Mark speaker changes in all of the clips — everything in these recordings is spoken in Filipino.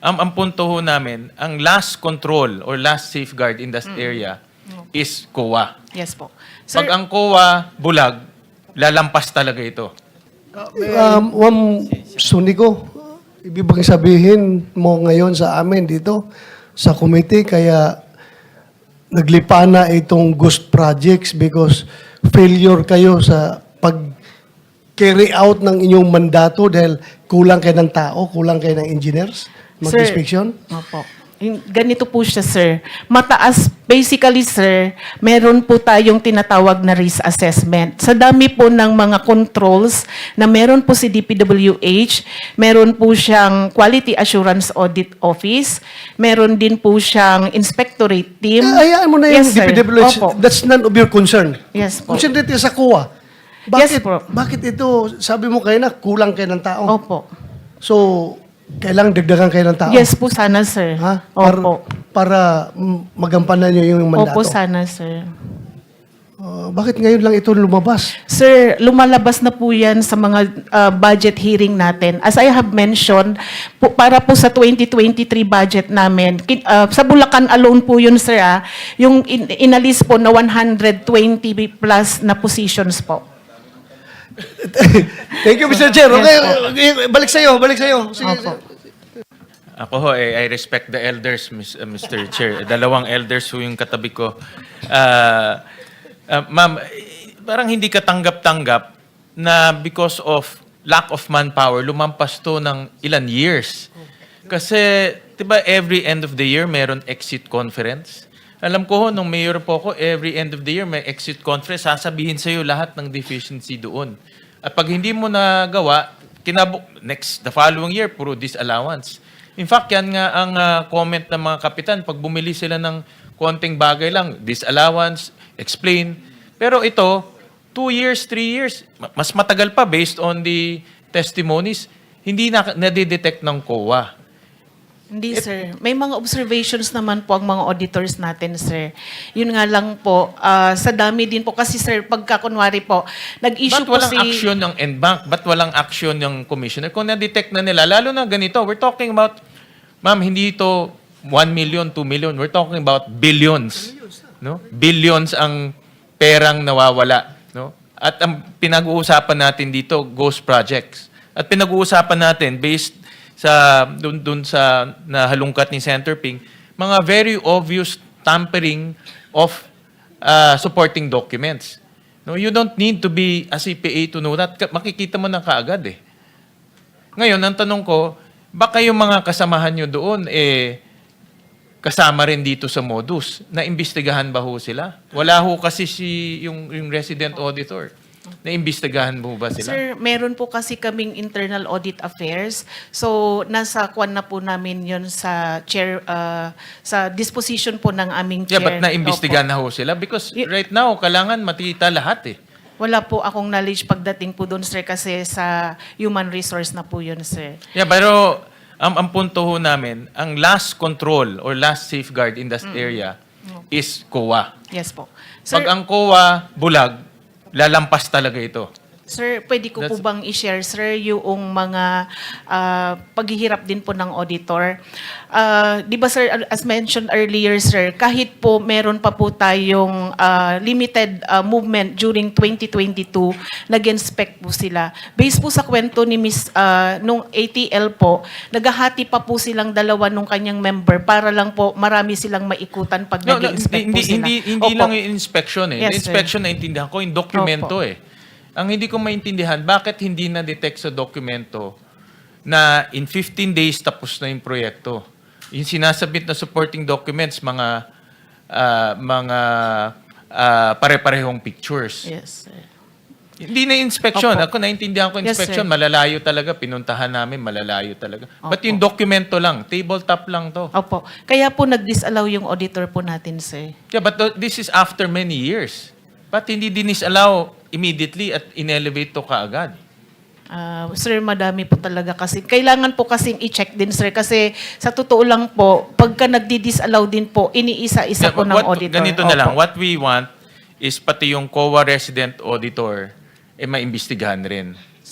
Speaker 1: Ang punto ho namin, ang last control or last safeguard in that area is COA.
Speaker 2: Yes po.
Speaker 1: Pag ang COA bulag, lalampas talaga ito.
Speaker 3: Suniko, ibig bang sabihin mo ngayon sa amin dito, sa committee, kaya naglipa na itong ghost projects because failure kayo sa pag-carry out ng inyong mandato dahil kulang kayo ng tao, kulang kayo ng engineers, mag-inspection?
Speaker 2: Opo. Ganito po siya, sir. Mataas, basically, sir, meron po tayong tinatawag na risk assessment. Sa dami po ng mga controls na meron po si DPWH, meron po siyang Quality Assurance Audit Office, meron din po siyang Inspectorate Team.
Speaker 3: Hayaan mo na yung
Speaker 2: Yes, sir.
Speaker 3: DPWH.
Speaker 2: Opo.
Speaker 3: That's none of your concern.
Speaker 2: Yes po.
Speaker 3: Concentrate sa COA.
Speaker 2: Yes po.
Speaker 3: Bakit ito, sabi mo kayo na kulang kayo ng tao?
Speaker 2: Opo.
Speaker 3: So, kailangang dagdagan kayo ng tao?
Speaker 2: Yes po sana, sir.
Speaker 3: Ha?
Speaker 2: Opo.
Speaker 3: Para magampanan nyo yung mandato?
Speaker 2: Opo sana, sir.
Speaker 3: Bakit ngayon lang ito lumabas?
Speaker 2: Sir, lumalabas na po yan sa mga budget hearing natin. As I have mentioned, para po sa 2023 budget namin, sa Bulacan alone po yun, sir, yung inalis po na 120 plus na positions po.
Speaker 3: Thank you, Mr. Chair. Okay, balik sa'yo. Sige.
Speaker 2: Opo.
Speaker 1: Ako ho, I respect the elders, Mr. Chair. Dalawang elders ho yung katabi ko. Ma'am, parang hindi ka tanggap-tanggap na because of lack of manpower, lumampas to ng ilan years. Kasi, di ba, every end of the year, meron exit conference. Alam ko ho, nung mayor po ako, every end of the year, may exit conference, sasabihin sa'yo lahat ng deficiency doon. At pag hindi mo nagawa, the following year, puro disallowance. In fact, yan nga ang comment ng mga kapitan. Pag bumili sila ng konting bagay lang, disallowance, explain. Pero ito, 2 years, 3 years, mas matagal pa based on the testimonies, hindi na nadidetect ng COA.
Speaker 2: Hindi, sir. May mga observations naman po ang mga auditors natin, sir. Yun nga lang po, sa dami din po. Kasi, sir, pagka kunwari po, nag-issue
Speaker 1: Ba't
Speaker 2: po
Speaker 1: walang action ng NBank? Ba't walang action ng commissioner? Kung na-detect na nila, lalo na ganito, we're talking about, ma'am, hindi ito 1 million, 2 million. We're talking about billions. No? Billions ang perang nawawala. No? At ang pinag-uusapan natin dito, ghost projects. At pinag-uusapan natin, based sa dun sa nahalungkat ni Senator Ping, mga very obvious tampering of supporting documents. No, you don't need to be a CPA to know that. Makikita mo na kaagad eh. Ngayon, ang tanong ko, baka yung mga kasamahan nyo doon kasama rin dito sa modus. Naimbestigahan ba ho sila? Wala ho kasi yung resident auditor. Naimbestigahan mo ba sila?
Speaker 2: Sir, meron po kasi kaming internal audit affairs. So, nasa kwan na po namin yun sa chair, sa disposition po ng aming chair.
Speaker 1: Yeah, but naimbestigahan na ho sila? Because right now, kailangan matita lahat eh.
Speaker 2: Wala po akong knowledge pagdating po doon, sir, kasi sa human resource na po yun, sir.
Speaker 1: Yeah, pero ang punto ho namin, ang last control or last safeguard in that area is COA.
Speaker 2: Yes po. Sir,
Speaker 1: Pag ang COA bulag, lalampas talaga ito.
Speaker 2: Sir, pwede ko po bang i-share, sir, yung mga paghihirap din po ng auditor? Di ba, sir, as mentioned earlier, sir, kahit po meron pa po tayong limited movement during 2022, nag-inspect po sila. Based po sa kwento ni Miss, nung ATL po, naghahati pa po silang dalawa nung kanyang member para lang po marami silang maikutan pag nag-inspect po sila.
Speaker 1: Hindi lang yung inspection eh.
Speaker 2: Yes,
Speaker 1: Yung inspection, naintindihan ko, yung dokumento
Speaker 2: Opo.
Speaker 1: eh. Ang hindi ko maintindihan, bakit hindi na-detect sa dokumento na in 15 days tapos na yung proyekto? Yung sinasabit na supporting documents, mga pare-parehong pictures.
Speaker 2: Yes, sir.
Speaker 1: Hindi na inspection.
Speaker 2: Opo.
Speaker 1: Ako naintindihan ko
Speaker 2: Yes,
Speaker 1: inspection,
Speaker 2: sir.
Speaker 1: malalayo talaga. Pinuntahan namin, malalayo talaga. But
Speaker 2: Opo.
Speaker 1: yung dokumento lang, tabletop lang to.
Speaker 2: Opo. Kaya po nag-disallow yung auditor po natin, sir.
Speaker 1: Yeah, but this is after many years. Ba't hindi dinisallow immediately at in-elevate to kaagad?
Speaker 2: Sir, madami po talaga kasi. Kailangan po kasing i-check din, sir. Kasi sa totoo lang po, pagka nagdi-disallow din po, iniisa-isa po ng auditor.
Speaker 1: Ganito na lang.
Speaker 2: Opo.
Speaker 1: What we want is pati yung COA resident auditor, maimbestigahan rin.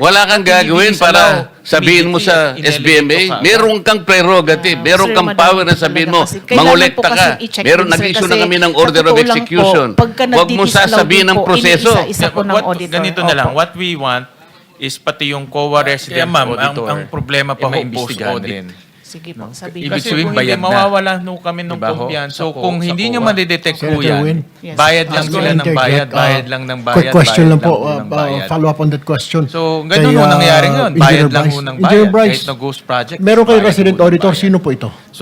Speaker 4: Wala kang
Speaker 1: Hindi
Speaker 4: gagawin
Speaker 1: disallow
Speaker 4: para sabihin mo sa
Speaker 1: immediately at
Speaker 4: SBMA.
Speaker 1: inelevate ka.
Speaker 4: Meron kang prerogative. Meron
Speaker 2: Sir,
Speaker 4: kang
Speaker 2: madami
Speaker 4: power na
Speaker 2: po
Speaker 4: sabihin
Speaker 2: talaga
Speaker 4: mo,
Speaker 2: kasi. Kailangan
Speaker 4: mangolekta
Speaker 2: po
Speaker 4: ka.
Speaker 2: kasing i-check
Speaker 4: Meron,
Speaker 2: din, sir,
Speaker 4: nag-issue na
Speaker 2: kasi
Speaker 4: kami ng
Speaker 2: sa
Speaker 4: order of
Speaker 2: totoo lang po,
Speaker 4: execution.
Speaker 2: pagka
Speaker 4: Huwag mo
Speaker 2: nagdidisallow
Speaker 4: sasabihin
Speaker 2: din
Speaker 4: ng
Speaker 2: po,
Speaker 4: proseso.
Speaker 2: iniisa-isa po ng auditor.
Speaker 1: Ganito na lang,
Speaker 2: Opo.
Speaker 1: what we want is pati yung COA resident
Speaker 5: Kaya ma'am,
Speaker 1: auditor.
Speaker 5: ang problema pa ho,
Speaker 1: maimbestigahan
Speaker 5: post-audit.
Speaker 1: rin.
Speaker 2: Sige po, sabihin.
Speaker 5: Ibig
Speaker 1: Kasi
Speaker 5: sabihin,
Speaker 1: kung hindi,
Speaker 5: bayad na.
Speaker 1: mawawala no kami ng
Speaker 5: Diba ho?
Speaker 1: kumpiyansa.
Speaker 5: Sa
Speaker 1: So kung
Speaker 5: sa
Speaker 1: hindi nyo
Speaker 5: COA.
Speaker 1: madidetect po
Speaker 6: Senator
Speaker 1: yan,
Speaker 6: Win.
Speaker 2: Yes.
Speaker 1: bayad lang
Speaker 6: Ask
Speaker 1: sila
Speaker 6: me
Speaker 1: ng bayad,
Speaker 6: interject,
Speaker 1: bayad lang ng bayad,
Speaker 6: Quick question
Speaker 1: bayad
Speaker 6: lang po,
Speaker 1: ho ng bayad.
Speaker 6: follow up on that question.
Speaker 1: So, ganun ho
Speaker 6: Kay,
Speaker 1: nangyari ngayon. Bayad
Speaker 6: Engineer
Speaker 1: lang
Speaker 6: Bryce.
Speaker 1: ho ng
Speaker 6: Engineer
Speaker 1: bayad.
Speaker 6: Bryce,
Speaker 1: Kahit na ghost project.
Speaker 6: meron kay
Speaker 1: bayad
Speaker 6: resident
Speaker 1: ho ng
Speaker 6: auditor,
Speaker 1: bayad.
Speaker 6: sino po ito?